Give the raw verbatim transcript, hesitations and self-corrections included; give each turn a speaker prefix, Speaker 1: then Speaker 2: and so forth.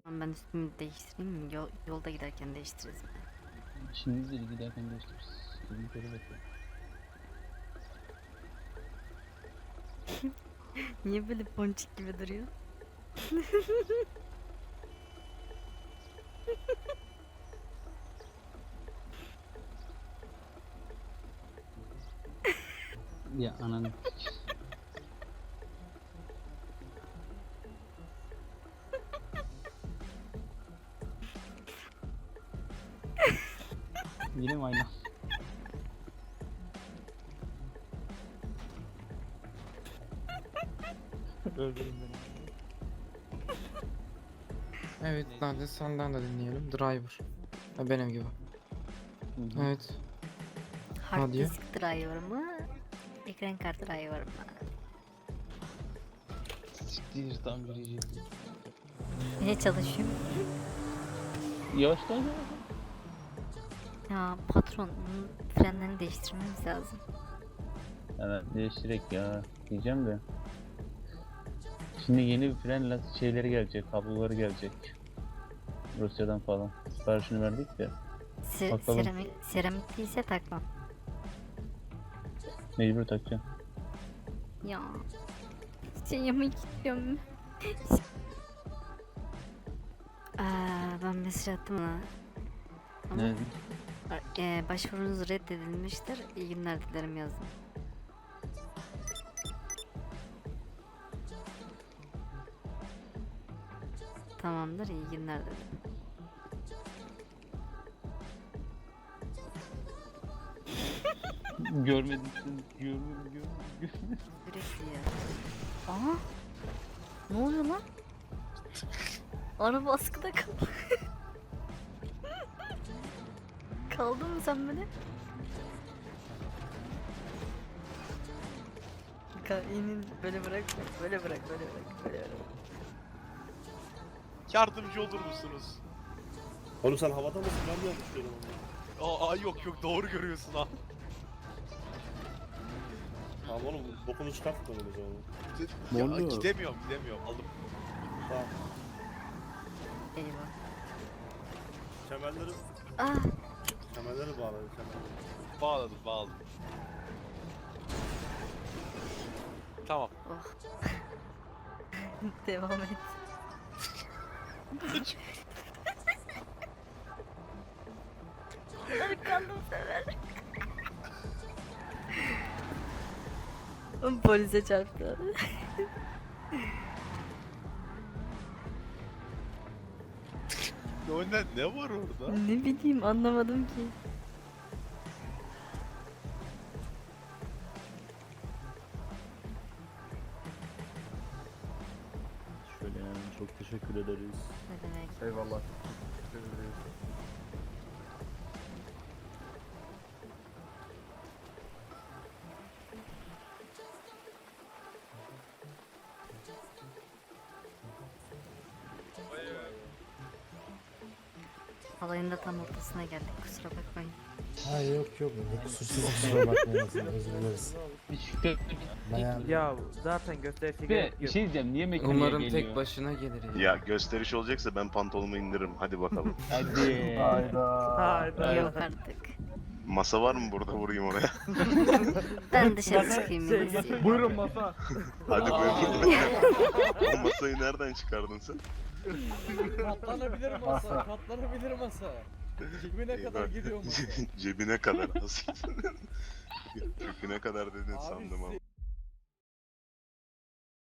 Speaker 1: Ben üstümü değiştireyim mi? Yol, yolda giderken değiştiririz.
Speaker 2: İşiniz değil, giderken değiştiririz. Bizim köre bakıyor.
Speaker 1: Niye böyle ponçik gibi duruyor?
Speaker 2: Ya ananı. Yine mi aynı? Öldürün beni.
Speaker 3: Evet, hadi senden de dinleyelim. Driver. Ha, benim gibi.
Speaker 2: Hı hı.
Speaker 3: Evet.
Speaker 1: Hard
Speaker 3: Hadi ya.
Speaker 1: disk driver mı? Ekran kartı driver mı?
Speaker 2: Siktir tam gireceğim.
Speaker 1: Ne çalışıyorum?
Speaker 2: Yavaş lan.
Speaker 1: Ya patron, bunun frenlerini değiştirmemiz lazım.
Speaker 2: Evet değiştirek ya diyeceğim de. Şimdi yeni bir fren lastik şeyleri gelecek, kabloları gelecek. Rusya'dan falan. Siparişini verdik de
Speaker 1: Se
Speaker 2: Bakalım.
Speaker 1: seramik, seramik değilse takmam.
Speaker 2: mecbur takacağım.
Speaker 1: Ya. Şey yemek istiyorum. Aa, ben mesaj attım ona. Ama
Speaker 2: Ne?
Speaker 1: e, başvurunuz reddedilmiştir. İyi günler dilerim yazdım. Tamamdır, iyi günler dedim.
Speaker 2: Görmedim seni. Görmedim, görmedim, görmedim.
Speaker 1: Sürekli ya. Aha. Ne oluyor lan? Araba askıda kaldı. Kaldın mı sen böyle? Kainin böyle bırak, böyle bırak, böyle bırak, böyle bırak.
Speaker 4: Yardımcı olur musunuz?
Speaker 5: Oğlum sen havada mısın? Ben mi yanlış görüyorum onu?
Speaker 4: Aa yok yok doğru görüyorsun ha.
Speaker 5: Tamam oğlum bokunu çıkartma o zaman.
Speaker 4: Ya,
Speaker 5: oluyor?
Speaker 4: gidemiyorum gidemiyorum aldım.
Speaker 5: Tamam.
Speaker 1: Eyvah.
Speaker 5: Kemerleri,
Speaker 1: Ah,
Speaker 5: kemerleri bağlayın kemerleri.
Speaker 4: Bağladım bağladım. Tamam.
Speaker 1: oh. Devam et. Arkandım sever. Polise çarptı.
Speaker 4: Önden ne var orada?
Speaker 1: Ne bileyim, anlamadım ki.
Speaker 5: Şöyle yani çok teşekkür ederiz.
Speaker 1: Ne demek?
Speaker 5: Eyvallah. Teşekkür ederiz.
Speaker 1: Alayın da tam ortasına geldik, kusura bakmayın.
Speaker 6: Ha yok yok. Kusursuz kusura bakmayın. Özür dileriz.
Speaker 2: Bir şükür.
Speaker 6: Bayağı
Speaker 7: Ya zaten gösterisi
Speaker 2: Ve
Speaker 7: gerek
Speaker 2: bir
Speaker 7: yok.
Speaker 2: şey diyeceğim, niye mekaniğe
Speaker 3: Umarım
Speaker 2: geliyor?
Speaker 3: tek başına gelir ya.
Speaker 8: Ya gösteriş olacaksa ben pantolonumu indiririm. Hadi bakalım.
Speaker 2: Hadi.
Speaker 7: Hayda.
Speaker 1: Yok artık.
Speaker 8: Masa var mı burada, vurayım oraya?
Speaker 1: Ben dışarı çıkayım.
Speaker 7: Şey,
Speaker 1: Şey,
Speaker 7: buyurun masa.
Speaker 8: Hadi buyurun. O masayı nereden çıkardın sen?
Speaker 7: Katlanabilir masa. Katlanabilir masa. Cebine kadar
Speaker 8: Eyvah.
Speaker 7: giriyor masa.
Speaker 8: Cebine kadar. Nasıl? Köküne kadar dedin sandım ama.